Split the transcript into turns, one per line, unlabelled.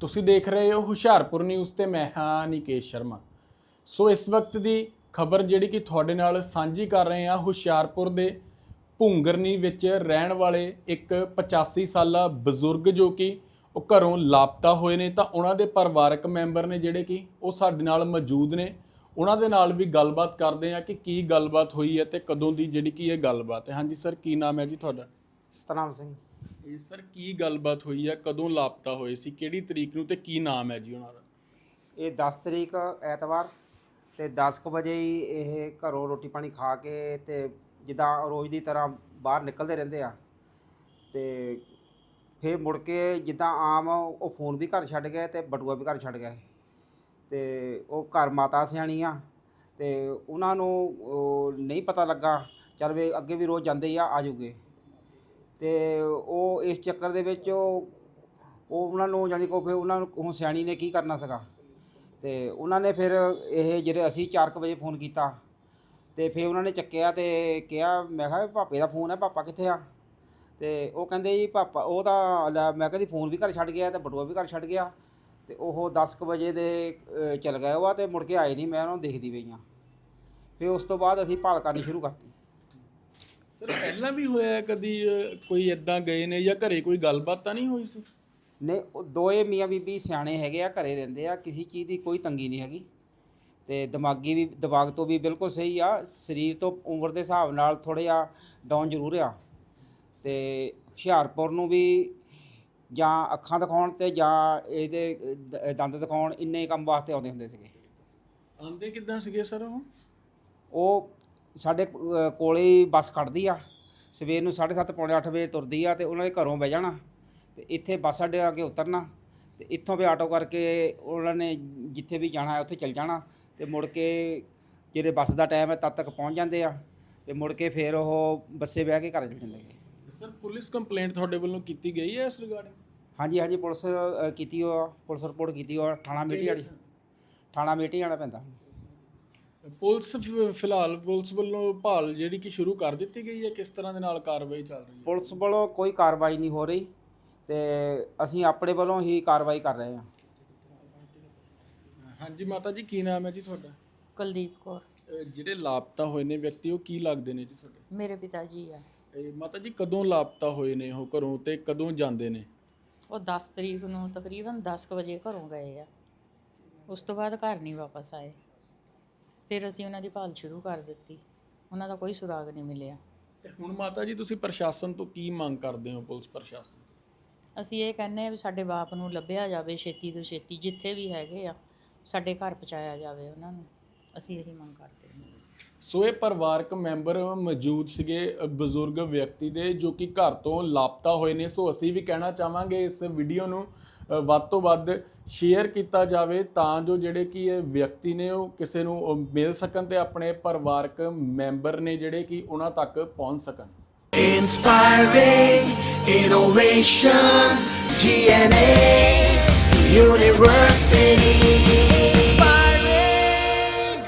ਤੁਸੀਂ ਦੇਖ ਰਹੇ ਹੋ ਹੁਸ਼ਿਆਰਪੁਰ ਨਿਊਜ਼ ਤੇ ਮੈਂ ਹਾਂ ਨਿਕੇਸ਼ ਸ਼ਰਮਾ। ਸੋ ਇਸ ਵਕਤ ਦੀ ਖਬਰ ਜਿਹੜੀ ਕਿ ਤੁਹਾਡੇ ਨਾਲ ਸਾਂਝੀ ਕਰ ਰਹੇ ਹਾਂ, ਹੁਸ਼ਿਆਰਪੁਰ ਦੇ ਭੁੰਗਰਨੀ ਵਿੱਚ ਰਹਿਣ ਵਾਲੇ ਇੱਕ 85 ਸਾਲਾ ਬਜ਼ੁਰਗ ਜੋ ਕਿ ਉਹ ਘਰੋਂ ਲਾਪਤਾ ਹੋਏ ਨੇ, ਤਾਂ ਉਹਨਾਂ ਦੇ ਪਰਿਵਾਰਕ ਮੈਂਬਰ ਨੇ ਜਿਹੜੇ ਕਿ ਉਹ ਸਾਡੇ ਨਾਲ ਮੌਜੂਦ ਨੇ। ਉਹਨਾਂ ਦੇ ਨਾਲ ਵੀ ਗੱਲਬਾਤ ਕਰਦੇ ਹਾਂ ਕਿ ਕੀ ਗੱਲਬਾਤ ਹੋਈ ਹੈ ਤੇ ਕਦੋਂ ਦੀ ਜਿਹੜੀ ਕਿ ਇਹ ਗੱਲਬਾਤ ਹੈ। ਹਾਂਜੀ ਸਰ, ਕੀ ਨਾਮ ਹੈ ਜੀ ਤੁਹਾਡਾ?
ਸਤਨਾਮ ਸਿੰਘ।
ਇਹ ਸਰ ਕੀ ਗੱਲਬਾਤ ਹੋਈ ਹੈ, ਕਦੋਂ ਲਾਪਤਾ ਹੋਏ ਸੀ, ਕਿਹੜੀ ਤਰੀਕ ਨੂੰ ਤੇ ਕੀ ਨਾਮ ਹੈ ਜੀ ਉਹਨਾਂ ਦਾ?
ਇਹ 10 ਤਰੀਕ ਐਤਵਾਰ ਤੇ 10 ਕੁ ਵਜੇ ਹੀ ਇਹ ਘਰੋਂ ਰੋਟੀ ਪਾਣੀ ਖਾ ਕੇ ਤੇ ਜਿੱਦਾਂ ਰੋਜ਼ ਦੀ ਤਰ੍ਹਾਂ ਬਾਹਰ ਨਿਕਲਦੇ ਰਹਿੰਦੇ ਆ ਤੇ ਫਿਰ ਮੁੜ ਕੇ ਜਿੱਦਾਂ ਆਮ ਉਹ ਫੋਨ ਵੀ ਘਰ ਛੱਡ ਗਏ ਤੇ ਬਟੂਆ ਵੀ ਘਰ ਛੱਡ ਗਏ ਤੇ ਉਹ ਘਰ ਮਾਤਾ ਸਿਆਣੀ ਆ ਤੇ ਉਹਨਾਂ ਨੂੰ ਨਹੀਂ ਪਤਾ ਲੱਗਾ। ਚੱਲ ਵੇ ਅੱਗੇ ਵੀ ਰੋਜ਼ ਜਾਂਦੇ ਆ ਜਾਊਗੇ ਤੇ ਉਹ ਇਸ ਚੱਕਰ ਦੇ ਵਿੱਚ ਉਹ ਉਹਨਾਂ ਨੂੰ ਜਾਣੀ ਕਿ ਫਿਰ ਉਹਨਾਂ ਨੂੰ ਹੁਣ ਸਿਆਣੀ ਨੇ ਕੀ ਕਰਨਾ ਸੀਗਾ ਤੇ ਉਹਨਾਂ ਨੇ ਫਿਰ ਇਹ ਜਿਹੜੇ ਅਸੀਂ 4 ਵਜੇ ਫੋਨ ਕੀਤਾ ਤੇ ਫਿਰ ਉਹਨਾਂ ਨੇ ਚੱਕਿਆ ਤੇ ਕਿਹਾ, ਮੈਂ ਕਿਹਾ ਪਾਪੇ ਦਾ ਫੋਨ ਹੈ, ਪਾਪਾ ਕਿੱਥੇ ਆ? ਤੇ ਉਹ ਕਹਿੰਦੇ ਜੀ ਪਾਪਾ ਉਹ ਤਾਂ ਮੈਂ ਕਹਿੰਦੀ ਫੋਨ ਵੀ ਘਰ ਛੱਡ ਗਿਆ ਤੇ ਬਟੂਆ ਵੀ ਘਰ ਛੱਡ ਗਿਆ ਤੇ ਉਹ 10 ਵਜੇ ਦੇ ਚਲ ਗਏ ਉਹ ਤੇ ਮੁੜ ਕੇ ਆਏ ਨਹੀਂ। ਮੈਂ ਉਹਨਾਂ ਨੂੰ ਦੇਖਦੀ ਪਈ ਹਾਂ। ਫਿਰ ਉਸ ਤੋਂ ਬਾਅਦ ਅਸੀਂ ਭਾਲ ਕਰਨੀ ਸ਼ੁਰੂ ਕਰਤੀ।
ਸਰ ਪਹਿਲਾਂ ਵੀ ਹੋਇਆ ਕਦੀ ਕੋਈ ਇਦਾਂ ਗਏ ਨੇ ਜਾਂ ਘਰੇ ਕੋਈ ਗੱਲਬਾਤ ਤਾਂ ਨਹੀਂ ਹੋਈ ਸੀ?
ਨੇ ਉਹ ਦੋਏ ਮੀਆਂ ਬੀਬੀ ਸਿਆਣੇ ਹੈਗੇ ਆ, ਘਰੇ ਰਹਿੰਦੇ ਆ, ਕਿਸੇ ਚੀਜ਼ ਦੀ ਕੋਈ ਤੰਗੀ ਨਹੀਂ ਹੈਗੀ ਤੇ ਦਿਮਾਗ ਤੋਂ ਵੀ ਬਿਲਕੁਲ ਸਹੀ ਆ। ਸਰੀਰ ਤੋਂ ਉਮਰ ਦੇ ਹਿਸਾਬ ਨਾਲ ਥੋੜ੍ਹਾ ਜਿਹਾ ਡਾਊਨ ਜ਼ਰੂਰ ਆ ਤੇ ਹੁਸ਼ਿਆਰਪੁਰ ਨੂੰ ਵੀ ਜਾਂ ਅੱਖਾਂ ਦਿਖਾਉਣ ਤੇ ਜਾਂ ਇਹਦੇ ਦੰਦ ਦਿਖਾਉਣ ਇੰਨੇ ਕੰਮ ਵਾਸਤੇ ਆਉਂਦੇ ਹੁੰਦੇ ਸੀਗੇ।
ਆਉਂਦੇ ਕਿੱਦਾਂ ਸੀਗੇ ਸਰ?
ਉਹ ਸਾਡੇ ਕੋਲੇ ਹੀ ਬੱਸ ਖੜ੍ਹਦੀ ਆ, ਸਵੇਰ ਨੂੰ 7:30 ਪੌਣੇ 8 ਵਜੇ ਤੁਰਦੀ ਆ ਤੇ ਉਹਨਾਂ ਦੇ ਘਰੋਂ ਬਹਿ ਜਾਣਾ ਤੇ ਇੱਥੇ ਬੱਸ ਅੱਡੇ ਆ ਕੇ ਉਤਰਨਾ ਤੇ ਇੱਥੋਂ ਵੀ ਆਟੋ ਕਰਕੇ ਉਹਨਾਂ ਨੇ ਜਿੱਥੇ ਵੀ ਜਾਣਾ ਉੱਥੇ ਚੱਲ ਜਾਣਾ ਤੇ ਮੁੜ ਕੇ ਜਿਹੜੇ ਬੱਸ ਦਾ ਟਾਈਮ ਹੈ ਤਦ ਤੱਕ ਪਹੁੰਚ ਜਾਂਦੇ ਆ ਤੇ ਮੁੜ ਕੇ ਫਿਰ ਉਹ ਬੱਸੇ ਬਹਿ ਕੇ ਘਰ ਚਲ ਜਾਂਦੇ ਨੇ।
ਸਰ ਪੁਲਿਸ ਕੰਪਲੇਂਟ ਤੁਹਾਡੇ ਵੱਲੋਂ ਕੀਤੀ ਗਈ ਹੈ ਇਸ ਰਿਗਾਰਡਿੰਗ?
ਹਾਂਜੀ ਪੁਲਿਸ ਕੀਤੀ ਉਹ ਪੁਲਿਸ ਰਿਪੋਰਟ ਕੀਤੀ ਉਹ ਥਾਣਾ ਮੇਟੀ ਜਾਣਾ ਪੈਂਦਾ।
ਪੁਲਿਸ ਫਿਲਹਾਲ ਪੁਲਿਸ ਵੱਲੋਂ ਭਾਲ ਜਿਹੜੀ ਕਿ ਸ਼ੁਰੂ ਕਰ ਦਿੱਤੀ ਗਈ ਹੈ, ਕਿਸ ਤਰ੍ਹਾਂ ਦੇ ਨਾਲ ਕਾਰਵਾਈ ਚੱਲ ਰਹੀ ਹੈ?
ਪੁਲਿਸ ਵੱਲੋਂ ਕੋਈ ਕਾਰਵਾਈ ਨਹੀਂ ਹੋ ਰਹੀ ਤੇ ਅਸੀਂ ਆਪਣੇ ਵੱਲੋਂ ਹੀ ਕਾਰਵਾਈ ਕਰ ਰਹੇ ਹਾਂ।
ਹਾਂਜੀ ਮਾਤਾ ਜੀ, ਕੀ ਨਾਮ ਹੈ ਜੀ ਤੁਹਾਡਾ?
ਕੁਲਦੀਪ ਕੌਰ।
ਜਿਹੜੇ ਲਾਪਤਾ ਹੋਏ ਨੇ ਵਿਅਕਤੀ ਉਹ ਕੀ ਲੱਗਦੇ ਨੇ ਜੀ ਤੁਹਾਡੇ?
ਮੇਰੇ ਪਿਤਾ ਜੀ ਆ।
ਮਾਤਾ ਜੀ ਕਦੋਂ ਲਾਪਤਾ ਹੋਏ ਨੇ ਉਹ ਘਰੋਂ ਤੇ ਕਦੋਂ ਜਾਂਦੇ ਨੇ?
ਉਹ 10 ਤਰੀਕ ਨੂੰ ਤਕਰੀਬਨ 10 ਵਜੇ ਘਰੋਂ ਗਏ ਆ, ਉਸ ਤੋਂ ਬਾਅਦ ਘਰ ਨਹੀਂ ਵਾਪਸ ਆਏ। ਫਿਰ ਅਸੀਂ ਉਹਨਾਂ ਦੀ ਭਾਲ ਸ਼ੁਰੂ ਕਰ ਦਿੱਤੀ, ਉਹਨਾਂ ਦਾ ਕੋਈ ਸੁਰਾਗ ਨਹੀਂ ਮਿਲਿਆ।
ਤੇ ਹੁਣ ਮਾਤਾ ਜੀ ਤੁਸੀਂ ਪ੍ਰਸ਼ਾਸਨ ਤੋਂ ਕੀ ਮੰਗ ਕਰਦੇ ਹੋ? ਪੁਲਿਸ ਪ੍ਰਸ਼ਾਸਨ
ਅਸੀਂ ਇਹ ਕਹਿੰਦੇ ਹਾਂ ਵੀ ਸਾਡੇ ਬਾਪ ਨੂੰ ਲੱਭਿਆ ਜਾਵੇ ਛੇਤੀ ਤੋਂ ਛੇਤੀ, ਜਿੱਥੇ ਵੀ ਹੈਗੇ ਆ ਸਾਡੇ ਘਰ ਪਹੁੰਚਾਇਆ ਜਾਵੇ ਉਹਨਾਂ ਨੂੰ। ਅਸੀਂ ਇਹੀ ਮੰਗ ਕਰਦੇ ਹਾਂ।
ਸੋ ਇਹ ਪਰਿਵਾਰਕ ਮੈਂਬਰ ਮੌਜੂਦ ਸੀਗੇ ਬਜ਼ੁਰਗ ਵਿਅਕਤੀ ਦੇ ਜੋ ਕਿ ਘਰ ਤੋਂ ਲਾਪਤਾ ਹੋਏ ਨੇ। ਸੋ ਅਸੀਂ ਵੀ ਕਹਿਣਾ ਚਾਹਾਂਗੇ ਇਸ ਵੀਡੀਓ ਨੂੰ ਵੱਧ ਤੋਂ ਵੱਧ ਸ਼ੇਅਰ ਕੀਤਾ ਜਾਵੇ ਤਾਂ ਜੋ ਜਿਹੜੇ ਕਿ ਇਹ ਵਿਅਕਤੀ ਨੇ ਉਹ ਕਿਸੇ ਨੂੰ ਮਿਲ ਸਕਣ ਤੇ ਆਪਣੇ ਪਰਿਵਾਰਕ ਮੈਂਬਰ ਨੇ ਜਿਹੜੇ ਕਿ ਉਹਨਾਂ ਤੱਕ ਪਹੁੰਚ ਸਕਣ।
Inspiring innovation, GNA University.